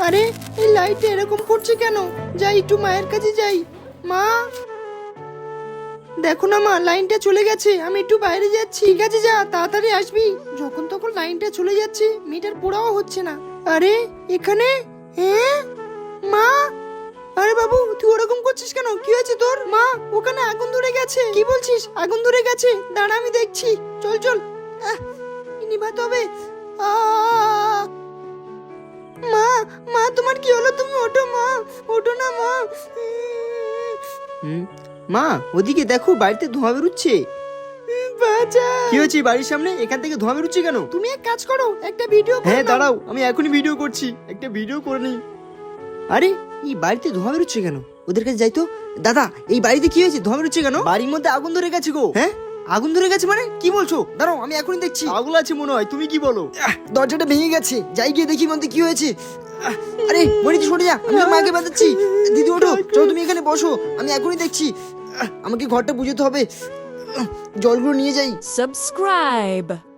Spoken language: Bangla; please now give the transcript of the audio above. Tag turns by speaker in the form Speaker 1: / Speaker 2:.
Speaker 1: আরে এই লাইটটা এরকম করছে কেন? যাই একটু মায়ের কাছে যাই। মা, দেখো না মা, লাইনটা চলে গেছে, আমি একটু বাইরে যাচ্ছি। ঠিক আছে যা, তাড়াতাড়ি আসবি। যখন তখন লাইনটা চলে যাচ্ছে, মিটার পোড়াও হচ্ছে না। আরে এখানে, হ্যাঁ মা। আরে বাবু, তুই ওরকম করছিস কেন? কি হয়েছে তোর? মা, ওখানে আগুন ধরে গেছে। কি বলছিস? আগুন ধরে গেছে? দাঁড়া আমি দেখছি। চল চল, নিভাতে হবে। আহ! মা, মা তোমার কি হলো? তুমি ওঠো মা, ওঠো না মা। মা, ওদিকে দেখো, বাড়িতে ধোঁয়া বেরোচ্ছে। বাঁচা। কি হয়েছে? বাড়ির সামনে এখান থেকে ধোঁয়া বেরোচ্ছে কেন? তুমি এক কাজ করো, একটা ভিডিও করো। হ্যাঁ দাঁড়াও, আমি এখনই ভিডিও করছি, একটা ভিডিও করে নিই। আরে এই বাড়িতে ধোঁয়া বেরোচ্ছে কেন? ওদের কাছে যাই তো। দাদা, এই বাড়িতে কি হয়েছে? ধোঁয়া বেরোচ্ছে কেন? বাড়ির মধ্যে আগুন ধরে গেছে গো। হ্যাঁ, আগুন ধরে গেছে মানে কি বলছো? দাঁড়াও, আমি এখনই দেখছি। আগুন আছে মনে হয়, তুমি কি বলো? দরজাটা ভেঙে গেছে, যাই গিয়ে দেখি মধ্যে কি হয়েছে। আরে মনি, তুই সরে যা, আমি তোর মাকে বাঁচাচ্ছি। দিদি ওঠো, চলো তুমি এখানে বসো, আমি এখনই দেখছি। আমাকে ঘরটা বুঝতে হবে, জলগুলো নিয়ে যাই।
Speaker 2: Subscribe.